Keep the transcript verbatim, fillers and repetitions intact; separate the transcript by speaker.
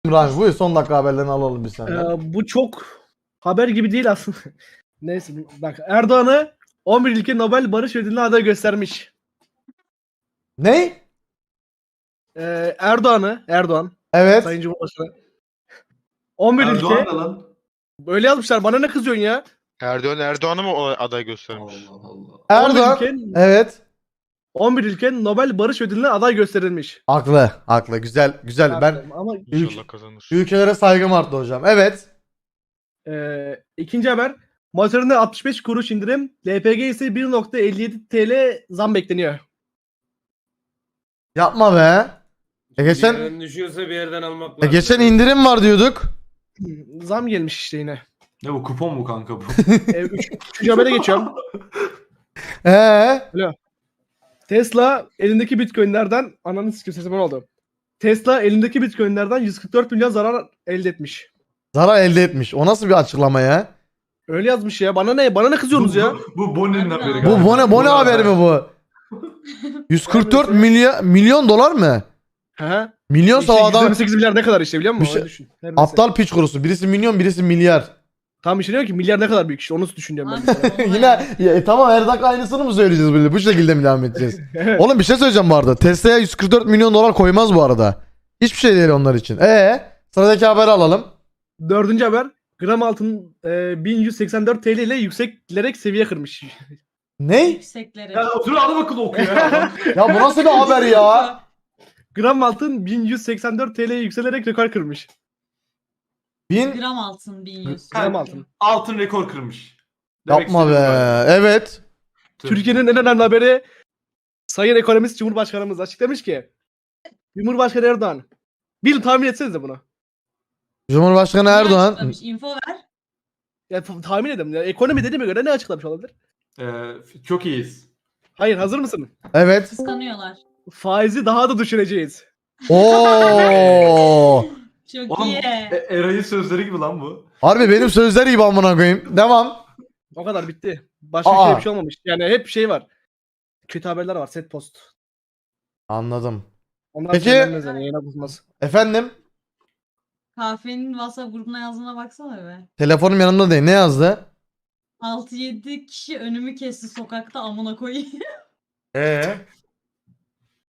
Speaker 1: Rami buyur son dakika haberlerini alalım biz senden.
Speaker 2: Ee, bu çok haber gibi değil aslında. Neyse bak Erdoğan'ı on bir ülke Nobel Barış Ödülü'ne aday göstermiş.
Speaker 1: Ne?
Speaker 2: Ee, Erdoğan'ı Erdoğan
Speaker 1: Evet.
Speaker 2: Sayın Cumhurbaşkanı on bir
Speaker 3: Erdoğan
Speaker 2: ülke
Speaker 3: ne lan?
Speaker 2: böyle yazmışlar. Bana ne kızıyorsun ya?
Speaker 4: Erdoğan Erdoğan'ı mı o aday göstermiş?
Speaker 3: Allah Allah.
Speaker 1: Erdoğan.
Speaker 2: on bir ülke
Speaker 1: Evet.
Speaker 2: on bir ülke Nobel Barış Ödülü'ne aday gösterilmiş.
Speaker 1: Haklı. Haklı. Güzel. Güzel. Ben
Speaker 2: Ama
Speaker 4: İnşallah kazanır.
Speaker 1: ülkelere saygım arttı hocam. Evet.
Speaker 2: e, ikinci haber motorine altmış beş kuruş indirim, L P G ise bir nokta elli yedi T L zam bekleniyor.
Speaker 1: Yapma be. E
Speaker 5: Bir
Speaker 1: geçen
Speaker 5: yerden düşüyorsa bir yerden almak
Speaker 1: e
Speaker 5: lazım.
Speaker 1: geçen indirim var diyorduk.
Speaker 2: Zam gelmiş işte yine.
Speaker 3: Ne bu kupon mu kanka bu?
Speaker 2: E, üç, üçüncü habere geçiyorum.
Speaker 1: Ee?
Speaker 2: Tesla elindeki bitcoinlerden ananı sikiyor sesim oldu. Tesla elindeki bitcoinlerden yüz kırk dört milyon zarar elde etmiş.
Speaker 1: Zarar elde etmiş. O nasıl bir açıklama ya?
Speaker 2: Öyle yazmış ya. Bana ne? Bana ne kızıyorsunuz ya?
Speaker 3: Bu, bu Bonnie'nin haberi
Speaker 1: Bu
Speaker 3: galiba.
Speaker 1: Bone Bone haberi mi bu? yüz kırk dört milyon milyon dolar mı?
Speaker 2: He.
Speaker 1: Milyonsa
Speaker 2: İşte
Speaker 1: o adam
Speaker 2: yüz yirmi sekiz milyar ne kadar işte biliyor musun?
Speaker 1: Bir şey-
Speaker 2: Onu düşün. Her neyse.
Speaker 1: aptal piç kurusu. Birisi milyon, birisi milyar.
Speaker 2: Tam işte diyor ki milyar ne kadar büyük işte. Onu düşünüyorum ben.
Speaker 6: Abi,
Speaker 1: Yine ya, e, tamam her dakika aynısını mı söyleyeceğiz böyle? Bu şekilde mi devam edeceğiz?
Speaker 2: Evet.
Speaker 1: Oğlum bir şey söyleyeceğim bu arada. Tesla'ya yüz kırk dört milyon dolar koymaz bu arada. Hiçbir şey değil onlar için. Ee, sıradaki haberi alalım.
Speaker 2: Dördüncü haber. Gram altın e, bin yüz seksen dört T L ile yükselerek seviye kırmış.
Speaker 1: Ne?
Speaker 6: Yüksekleri.
Speaker 3: Ya otur adam akıllı okuyor ya.
Speaker 1: Ya bu nasıl bir haber ya?
Speaker 2: Gram altın bin yüz seksen dört T L'ye yükselerek rekor kırmış.
Speaker 1: Bin
Speaker 6: Gram altın bin yüz.
Speaker 2: Gram altın.
Speaker 3: Altın rekor kırmış. Demek
Speaker 1: yapma be.
Speaker 3: istediğim galiba.
Speaker 1: Evet.
Speaker 2: Türkiye'nin en önemli haberi Sayın Ekonomist Cumhurbaşkanımız açıklamış ki Cumhurbaşkanı Erdoğan. Bir tahmin etsenize bunu.
Speaker 1: Cumhurbaşkanı
Speaker 6: Ne
Speaker 1: Erdoğan
Speaker 6: açıklamış? Info ver.
Speaker 2: Ya f- tahmin edin. Ya, ekonomi dediğime göre ne açıklamış olabilir?
Speaker 3: Ee, çok iyiyiz.
Speaker 2: Hayır hazır mısın?
Speaker 1: evet.
Speaker 6: Kıskanıyorlar.
Speaker 2: Faizi daha da düşüreceğiz.
Speaker 1: Oo!
Speaker 6: Çok
Speaker 3: Oğlum
Speaker 6: iyi.
Speaker 3: e, Eray'ın sözleri gibi lan bu.
Speaker 1: Harbi benim sözler iyi amına koyayım. Devam.
Speaker 2: O kadar bitti. Başka
Speaker 1: Aa.
Speaker 2: şey bir şey olmamış. Yani hep şey var. Kötü haberler var. Set post.
Speaker 1: Anladım.
Speaker 2: Onlar
Speaker 1: Peki-
Speaker 2: söylenmez yani yayına bulunmaz.
Speaker 1: Efendim?
Speaker 6: Kahvenin WhatsApp grubuna yazdığına baksana be.
Speaker 1: Telefonum yanımda değil. Ne yazdı?
Speaker 6: altı yedi kişi önümü kesti sokakta amına koyayım.
Speaker 1: Ee?